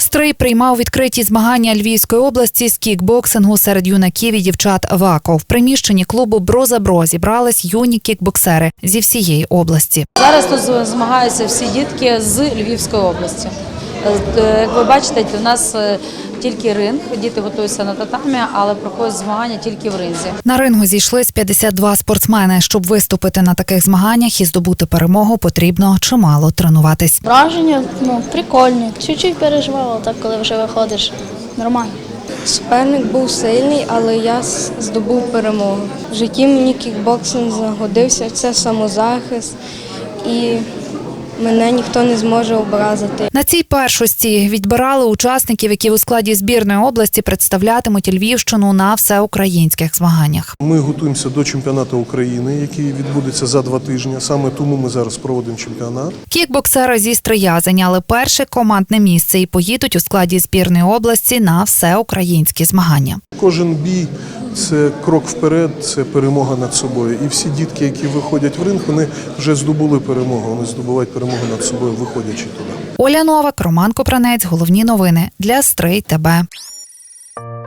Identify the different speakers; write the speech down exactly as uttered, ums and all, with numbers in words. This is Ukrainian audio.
Speaker 1: Стрий приймав відкриті змагання Львівської області з кікбоксингу серед юнаків і дівчат ВАКО. В приміщенні клубу «Броза-Бро» зібрались юні кікбоксери зі всієї області.
Speaker 2: Зараз тут змагаються всі дітки з Львівської області. Як ви бачите, у нас тільки ринг, діти готуються на татамі, але проходять змагання тільки в ринзі.
Speaker 1: На рингу зійшлись п'ятдесят два спортсмени. Щоб виступити на таких змаганнях і здобути перемогу, потрібно чимало тренуватись.
Speaker 3: Враження, ну, прикольні. Чуть-чуть переживала, так коли вже виходиш, нормально.
Speaker 4: Суперник був сильний, але я здобув перемогу. В житті мені кікбоксинг загодився, це самозахист і мене ніхто не зможе образити.
Speaker 1: На цій першості відбирали учасників, які у складі збірної області представлятимуть Львівщину на всеукраїнських змаганнях.
Speaker 5: Ми готуємося до чемпіонату України, який відбудеться за два тижні. Саме тому ми зараз проводимо чемпіонат.
Speaker 1: Кікбоксери зі Стрия зайняли перше командне місце і поїдуть у складі збірної області на всеукраїнські змагання.
Speaker 5: Кожен бій – це крок вперед, це перемога над собою. І всі дітки, які виходять в ринг, вони вже здобули перемогу. Вони здобувають перемогу над собою, виходячи туди.
Speaker 1: Оля Новак, Роман Копранець. Головні новини для Стрий ТБ.